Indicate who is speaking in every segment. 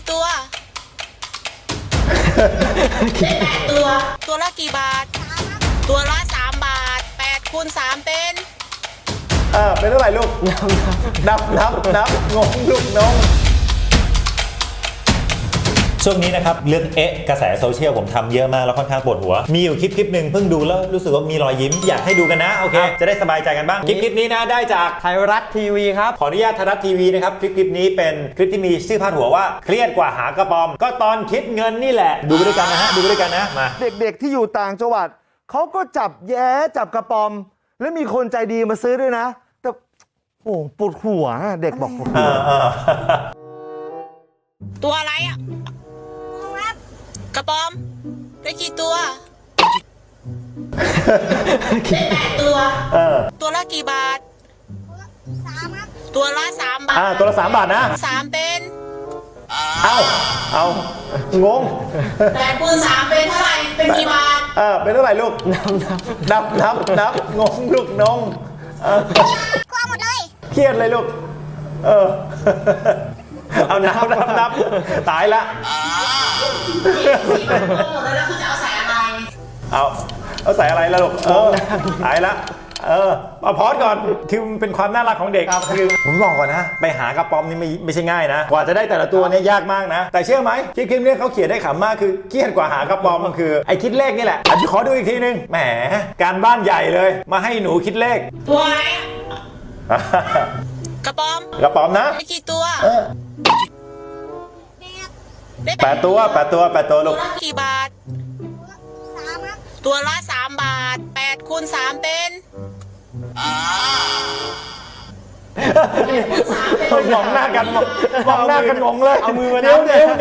Speaker 1: ตัวได้8 ตัวตัวละกี่บาทตัวละ3 บาท8 คูณ 3เป็น
Speaker 2: เป็นเท่าไหร่ลูกนับงงลูกน้องช่วงนี้นะครับเรื่องกระแสโซเชียลผมทำเยอะมากแล้วค่อนข้างปวดหัวมีอยู่คลิปหนึ่งเพิ่งดูแล้วรู้สึกว่ามีรอยยิ้มอยากให้ดูกันนะโอเคจะได้สบายใจกันบ้างคลิปนี้นะได้จาก
Speaker 3: ไทยรัฐทีวีครับ
Speaker 2: ขออนุญาตไทยรัฐทีวีนะครับคลิปนี้เป็นคลิปที่มีชื่อพาดหัวว่าเครียดกว่าหากระป๋อมก็ตอนคิดเงินนี่แหละดูไปด้วยกันนะฮะดูไปด้วยกันนะมา
Speaker 4: เด็กๆที่อยู่ต่างจังหวัดเขาก็จับแย้จับกระป๋อมแล้วมีคนใจดีมาซื้อด้วยนะแต่โอ้ปวดหัวเด็กบอกปวดหัว
Speaker 1: ตัวอะไรอ่ะกระป๋อมได้กี่ตัวได้8 ตัวตัวละกี่บาทตัวละ3 บาท
Speaker 2: ตัวละ3 บาทนะ
Speaker 1: 3เป็น
Speaker 2: เอางง
Speaker 1: 8 คูณ 3เป็นเท่าไหร่เป็นกี่บาท
Speaker 2: เป็นเท่าไหร่ลูกนับงงลูกน้อง
Speaker 1: กลัวหมดเลย
Speaker 2: เครียดเลยลูกเอานับตายละ
Speaker 1: แล้วคุณจะเอาใส่อะไร
Speaker 2: เอาใส่อะไรล่ะลูกตายละเอาพอดก่อนคือมันเป็นความน่ารักของเด็กคือผมบอกก่อนนะไปหากระป๋อมนี่ไม่ใช่ง่ายนะกว่าจะได้แต่ละตัวเนี่ยยากมากนะแต่เชื่อไหมคลิปนี้เขาเขียนได้ขำมากคือเครียดกว่าหากระป๋อมมันคือไอ้คิดเลขนี่แหละขอดูอีกทีนึงแหมการบ้านใหญ่เลยมาให้หนูคิดเลข
Speaker 1: ตัวอะไรกระป๋อ
Speaker 2: มนะ
Speaker 1: ได้กี่ตัว
Speaker 2: ได้8 ตัวลูก
Speaker 1: กี่บาทตัวละ3 บาท8 คูณ 3เป็น
Speaker 2: มองหน้ากันงงเลย
Speaker 3: เอามือมา
Speaker 2: นิ้ว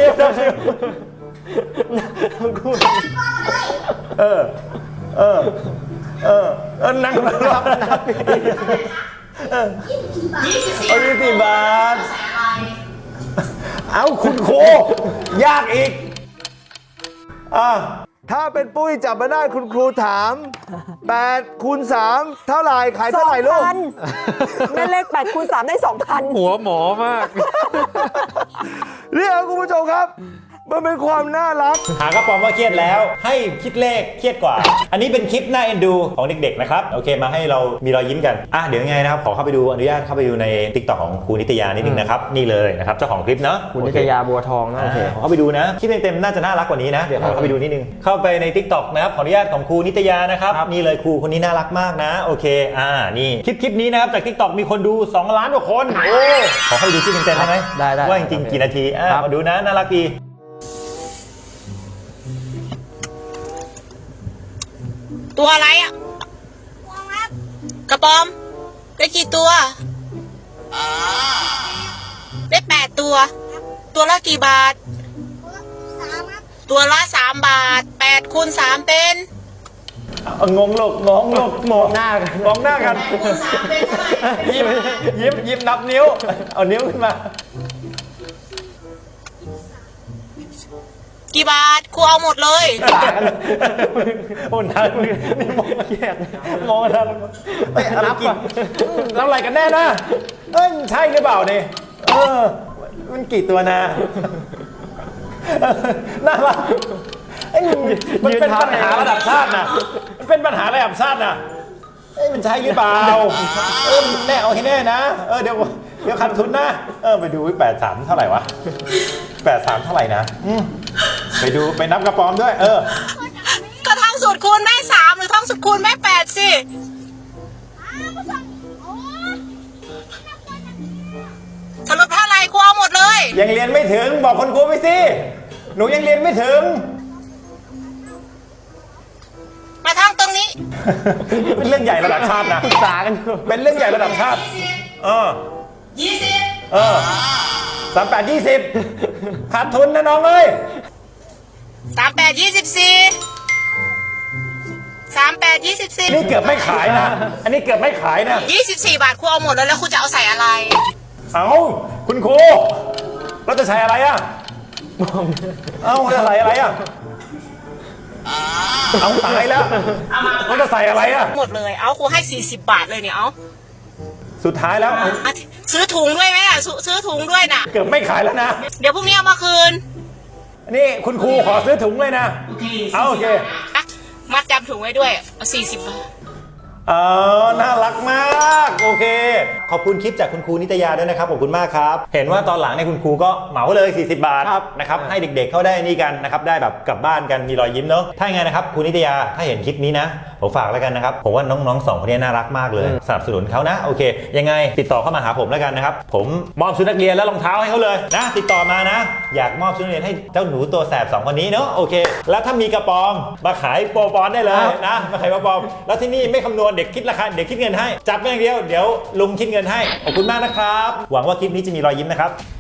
Speaker 2: นั่งนับ24 บาทเอาคุณโคยากอีก
Speaker 4: ถ้าเป็นปุ้ยจับมาได้คุณครูถาม8 คูณ 3เท่าไหร่ขายเท่าไหร่ลูก
Speaker 5: แม่เลข8 คูณ 3ได้ 2,000
Speaker 3: หัวหมอมาก
Speaker 4: เนี่ยคุณผู้ชมครับมันเป็นความน่ารัก
Speaker 2: หากระป๋อมว่าเครียดแล้วให้คิดเลขเครียดกว่าอันนี้เป็นคลิปน่าเอ็นดูของเด็กๆนะครับโอเคมาให้เรามีรอยยิ้มกันเดี๋ยวยังไงนะครับขอเข้าไปดูอนุญาตเข้าไปดูใน TikTok ของครูนิตยานิดนึงนะครับนี่เลยนะครับเจ้าของคลิปเนาะ
Speaker 3: ครูนิตยาบัวทองนะโอเค
Speaker 2: ขอเข้าไปดูนะคลิปเต็มๆน่าจะน่ารักกว่านี้นะเดี๋ยวขอเข้าไปดูนิดนึงเข้าไปใน TikTok นะครับขออนุญาตของครูนิตยานะครับนี่เลยครูคนนี้น่ารักมากนะโอเคนี่คลิปนี้นะครับจาก TikTok มีคนดู2 ล้านกว่าคนโอ้ขอเข้าไปดูคลิปเต็มๆได้ไหม
Speaker 3: ได้
Speaker 2: ว่าจริงๆกี่นาทีมาดูนะน่ารักดี
Speaker 1: ตัวอะไรอ่ะกระป๋อมได้กี่ตัวได้8 ตัวตัวละกี่บาทตัวละ3 บาท8 คูณ 3เป็น
Speaker 2: งงลูกมองหน้ากันยิ้มนับนิ้วเอานิ้วขึ้นมา
Speaker 1: กี่บาทครูเอาหมดเลย
Speaker 2: โอ้น้ามึงนี่มองเครียดมองอะไรอะไรกินแล้วอะไรกันแน่นะใช่หรือเปล่าเนี่ยมันกี่ตัวนะน่ารักมันเป็นปัญหาระดับชาตินะมันเป็นปัญหาระดับชาตินะมันใช่หรือเปล่าแน่เอาให้แน่นะเดี๋ยวขาดทุนนะไปดู83เท่าไหร่วะ83เท่าไหร่นะไปนับกระป๋อมด้วย
Speaker 1: ก็ท่องสูตรคูณแม่3หรือท่องสูตรคูณแม่8สิสรุปเท่าไหร่ครูเอาหมดเลย
Speaker 2: ยังเรียนไม่ถึงบอกคนครูไปสิหนูยังเรียนไม่ถึง
Speaker 1: มาท่องตรงนี้
Speaker 2: เป็นเรื่องใหญ่ระดับชาตินะ
Speaker 3: ปรึกษากัน
Speaker 2: เป็นเรื่องใหญ่ระดับชาติ
Speaker 1: 20
Speaker 2: 38 20ขาดทุนนะน้องเอ้ย
Speaker 1: 38 24 38 24
Speaker 2: นี่เกือบไม่ขายนะอันนี้เกือบไม่ขายนะ
Speaker 1: 24 บาทครูเอาหมดแล้วครูจะเอาใส่อะไร
Speaker 2: คุณครูเราจะใส่อะไรจะใส่อะไรตายแล้วเราจะใส่อะไร
Speaker 1: หมดเลยครูให้40 บาทเลยเนี่ย
Speaker 2: สุดท้ายแล้ว
Speaker 1: ซื้อถุงด้วยไหมอ่ะซื้อถุงด้วยน่ะ
Speaker 2: เกือบไม่ขายแล้วนะ
Speaker 1: เดี๋ยวพรุ่งนี้เอามาคืน
Speaker 2: นี่คุณครูขอซื้อถุงเลยนะ เอาโอเค
Speaker 1: อ่ะมัดจำถุงไว้ด้วยเอา40 บาท
Speaker 2: น่ารักมาก โอเค ขอบคุณคลิปจากคุณครูนิตยาด้วยนะครับ ขอบคุณมากครับ เห็นว่าตอนหลังเนี่ยคุณครูก็เหมาเลย40 บาท
Speaker 3: ครับ
Speaker 2: นะครับ ให้เด็กๆเข้าได้นี่กันนะครับ ได้แบบกลับบ้านกันมีรอยยิ้มเนาะ ถ้าอย่างไงนะครับครูนิตยา ถ้าเห็นคลิปนี้นะ ผมฝากแล้วกันนะครับ ผมว่าน้องๆ2คนนี้น่ารักมากเลย สนับสนุนเขานะ โอเค ยังไงติดต่อเข้ามาหาผมแล้วกันนะครับ ผมมอบชุดนักเรียนและรองเท้าให้เขาเลยนะ ติดต่อมานะ อยากมอบชุดนักเรียนให้เจ้าหนูตัวแสบ2คนนี้เนาะ โอเค แล้วถ้ามีกระป๋อมมาขายโปรปอนได้เลยนะ มาขายโปรปอนแล้วที่นี่ไม่คำนวณเด็กคิดราคาเด็กคิดเงินให้ จับไปอย่างเดียว เดี๋ยวลุงคิดเงินให้ ขอบคุณมากนะครับ หวังว่าคลิปนี้จะมีรอยยิ้มนะครับ